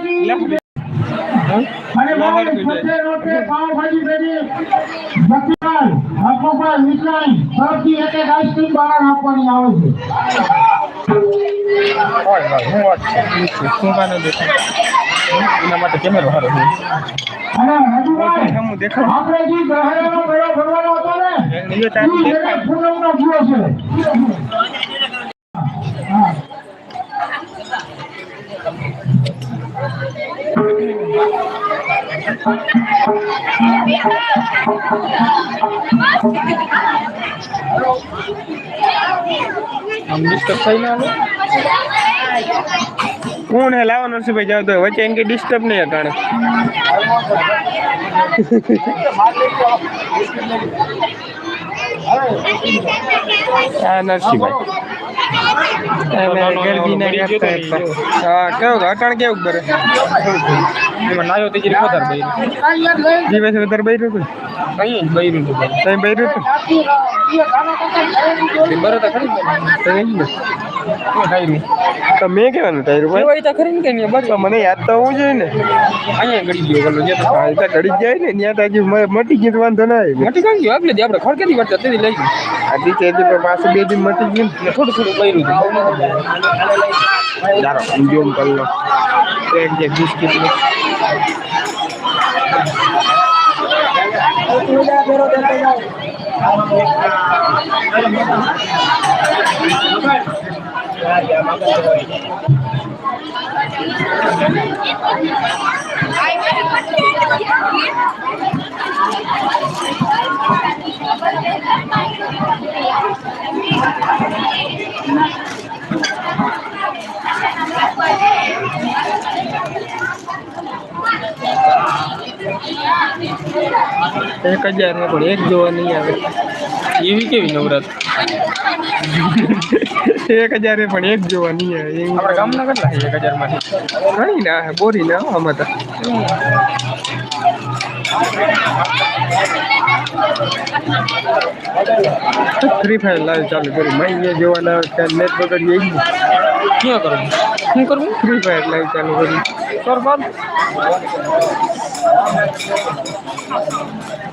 અને બાર સત્ય નોટે પાવભાજી પેટી જતીલાલ હકુભાઈ મિશ્રાણી સૌથી એક આઈસ્ક્રીમ બહાર આપવાની આવે છે. હું વાત છે શું કાને દેખાય એના માટે કેમેરો સારો છે. અને હજુભાઈ આપણે જે ગ્રહણનો મેળો ભરવાનો હતો ને એ પૂનમનો દિવસ છે. હા ડિસ્ટર્બ થઈ ના કોણ હે લાવો નરસિંહભાઈ જાવ તો વચ્ચે એમ કે ડિસ્ટર્બ નહીં અટાણે હા નરસિંહભાઈ હા કેવું અટાણ કેવું બરે એમાં નાયો તે જીરી વધારે બૈરું જીવે છે વધારે બૈરું હતું કઈ જ બૈરું હતું તઈ બૈરું હતું બરો તો ખરી તો મેં કેવાનું ટાયરું ભાઈ તો ખરી ને કે બસ મને યાદ તો હોવું જોઈએ ને અહીંયા ગળી ગયો ગલો જે તો ગળી જાય ને ત્યાં તો હજી મટી ગયું વાંધો ના આવી મટી ગયું આગળ આપણે ખડકેલી વાત હતી લઈ ગઈ આજી તેજી પર પાછું બે દિન મટી ગયું ને થોડું થોડું બૈરું હતું ચાલો જોમ કરી લો એક જે બિસ્કિટ ને एक 1000 है पण एक જોવા નહીં આવે એવી કેવી નવરાત 1000 है પણ એક જોવા નહીં આવે આપણા ગામના કેટલા છે 1000 માંથી ઘણી ના હે બોરી ના આમાં તો फ्री फायर लाइव चालू करी मैं ये જોવાના નેટ બગડી ગઈ ક્યાં કરું શું કરું फ्री फायर लाइव चालू करी સર બાદ